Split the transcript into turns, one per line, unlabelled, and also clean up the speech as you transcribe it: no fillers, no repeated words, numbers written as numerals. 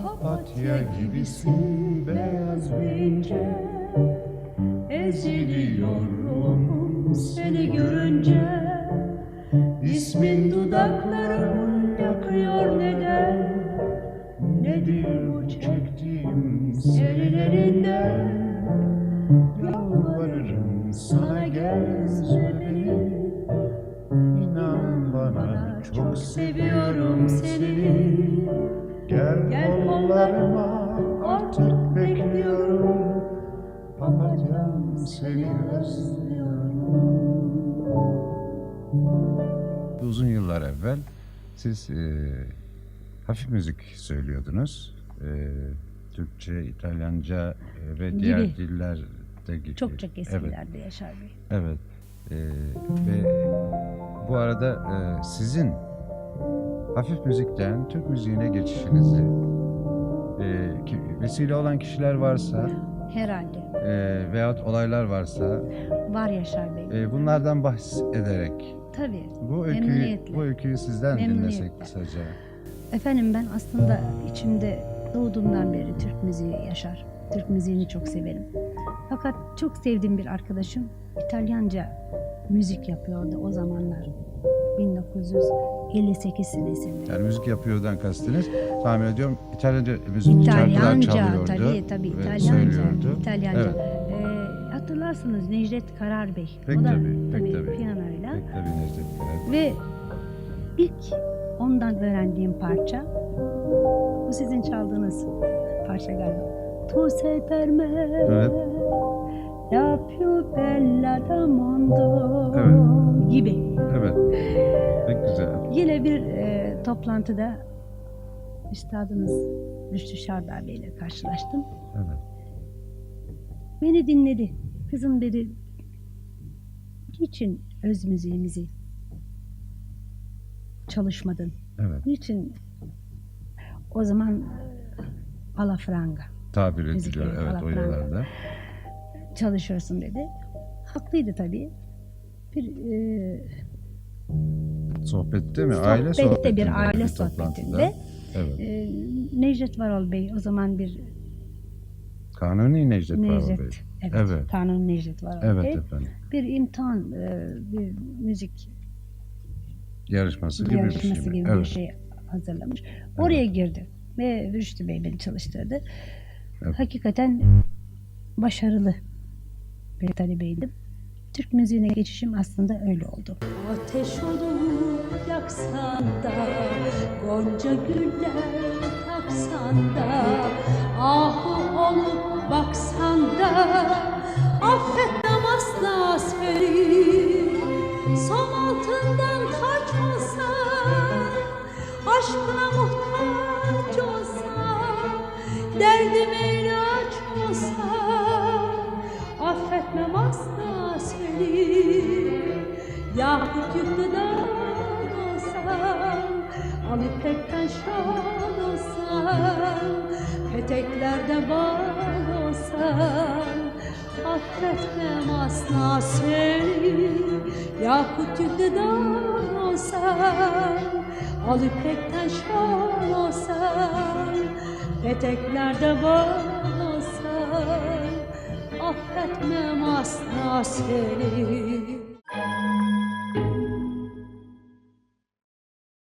Papatya gibisin beyaz ve ince, eziliyorum seni görünce. İsmin dudaklarımı yakıyor neden? Nedir bu çektiğim senin elinden? Yalvarırım sana gel üzme beni. İnan bana çok seviyorum seni. Gel kollarıma artık bekliyorum. Papatyam seni özlüyorum.
Uzun yıllar evvel siz hafif müzik söylüyordunuz. Türkçe, İtalyanca ve diğer dillerde gibi.
Çok eserlerde Yaşar Bey.
Evet. Ve bu arada sizin hafif müzikten Türk müziğine geçişinizi vesile olan kişiler varsa
Herhalde.
veyahut olaylar varsa
Var Yaşar Bey.
bunlardan bahsederek
Tabii.
bu öyküyü sizden dinlesek kısaca.
Efendim, ben aslında içimde doğduğumdan beri Türk müziği yaşar. Türk müziğini çok severim. Fakat çok sevdiğim bir arkadaşım İtalyanca müzik yapıyordu o zamanlar. 1958 senesinde.
Yani müzik yapıyordan kastınız, tahmin ediyorum İtalyanca müzik şarkılar çalıyordu.
Tabii İtalyanca.
Söylüyordu.
İtalyanca.
Evet.
Hatırlarsınız Necdet Karar Bey.
Pek
o da
tabii.
piyanoyla.
Pek tabii Necdet Karar.
Ve ilk ondan öğrendiğim parça, bu sizin çaldığınız parça galiba. Tu sei per me
Evet.
la più bella del mondo gibi.
Evet. Pek güzel.
Yine bir toplantıda üstadımız Rüştü Şardar Bey ile karşılaştım.
Evet.
Beni dinledi. Kızım dedi, niçin öz müziğimizi çalışmadın?
Evet.
Niçin o zaman alafranga
Tabir
müzik,
ediliyor. Evet, o yıllarda.
çalışıyorsun dedi. Haklıydı tabii. Bir
Sohbette mi? Aile sohbetinde.
bir aile
toplantıda.
sohbetinde.
Evet.
Necdet Varol Bey o zaman bir
Kanuni Necdet Varol Bey.
Evet. Kanuni Necdet Varol
Evet
Bey.
efendim.
Bir imtihan, bir müzik
Yarışması gibi bir şey mi?
bir şey hazırlamış. Oraya girdi ve Rüştü Bey beni çalıştırdı.
Evet.
Hakikaten başarılı bir talebeydim. Türk müziğine geçişim aslında öyle oldu. Ateş olup yaksan da, gonca güller taksan da, ahu olup baksan da, affetmem asla seni. Som altından taç olsan, aşkına muhtaç olsan, derdime ilaç olsan, affetmem asla seni. Yakut yüklüden olsan, al ipekten şal olsan, peteklerde bal olsan, affetmem asla seni. Yakut yüklüden olsan, al ipekten şal olsan, peteklerde bal olsan, affetmem asla seni.